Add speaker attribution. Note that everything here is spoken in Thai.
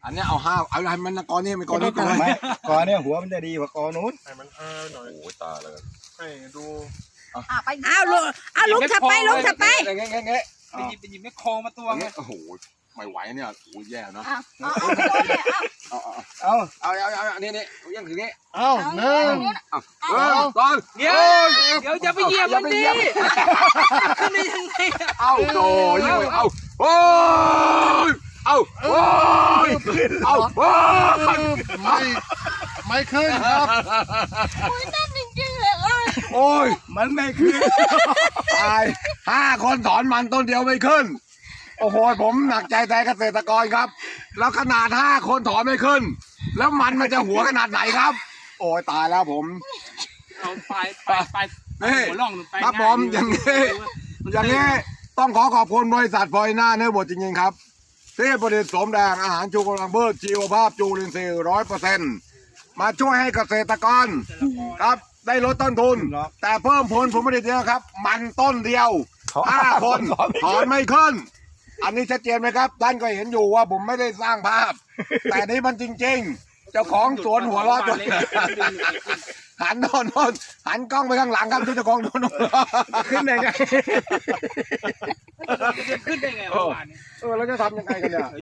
Speaker 1: อันนี้เอา5เอาอะไรมันกอนี่ไม่กอนู้น
Speaker 2: ไหมกอเนี่ยหัวมันจะดีกว่ากอนู้น
Speaker 3: ให้มันหน่อย
Speaker 1: โอ้ยตายเลย
Speaker 3: ให้ดู
Speaker 4: ไปเอาลุงถัดไปลุงถัดไป
Speaker 1: เงี้ยเงี้ย
Speaker 5: ไปหยิบแม่โคมาตัวไง
Speaker 1: โอ้โหไม่ไหวเนี่ยโอ้ยแย่เนาะ
Speaker 4: เอา
Speaker 1: เอา
Speaker 2: เอา
Speaker 1: นี่ยังถึงนี้
Speaker 3: เอาหนึ่ง
Speaker 1: ตอน
Speaker 5: เดี๋ยวอย่าไปเหยียบมันดิขึ้นได้ยังไง
Speaker 1: เอาโอ้ยเอาโอ้ยเอาโอ้ยเอาโอ้ย
Speaker 3: ไม่ขึ้นครับ
Speaker 4: นั่นจริงๆเลย
Speaker 1: โอ้ย
Speaker 2: มันไม่ขึ้น
Speaker 1: ตาย5 คนถอนมันต้นเดียวไม่ขึ้นโอ้โหผมหนักใจแทนเกษตรกรครับแล้วขนาด5 คนถอนไม่ขึ้นแล้วมันจะหัวขนาดไหนครับ โอ้ยตายแล้วผม
Speaker 5: เอาไปหัวล่องไป
Speaker 1: ครับผมอย่างนี้ต้องขอบคุณบริษัทฟอยน่าเนื้อบดจริงๆครับที่ผลิตสมแดงอาหารชูกำลังพืชชีวภาพจูลินทรีย์100%มาช่วยให้เกษตรกรครับได้ลดต้นทุน แต่เพิ่มผลผลิตเยอะครับ มันต้นเดียว5 คนถอนไม่ขึ้น อันนี้ชัดเจนไหมครับท่านก็เห็นอยู่ว่าผมไม่ได้สร้างภาพ แต่นี่มันจริงๆเจ้าของสวนหัวเราะจนหันโน่นหันกล้องไปข้างหลังครับเจ้าของโน่นขึ้นได้ไง
Speaker 5: ขึ้นได้ไงเมื่อวานนี้
Speaker 1: เราจะทำยังไงกันเนี่ย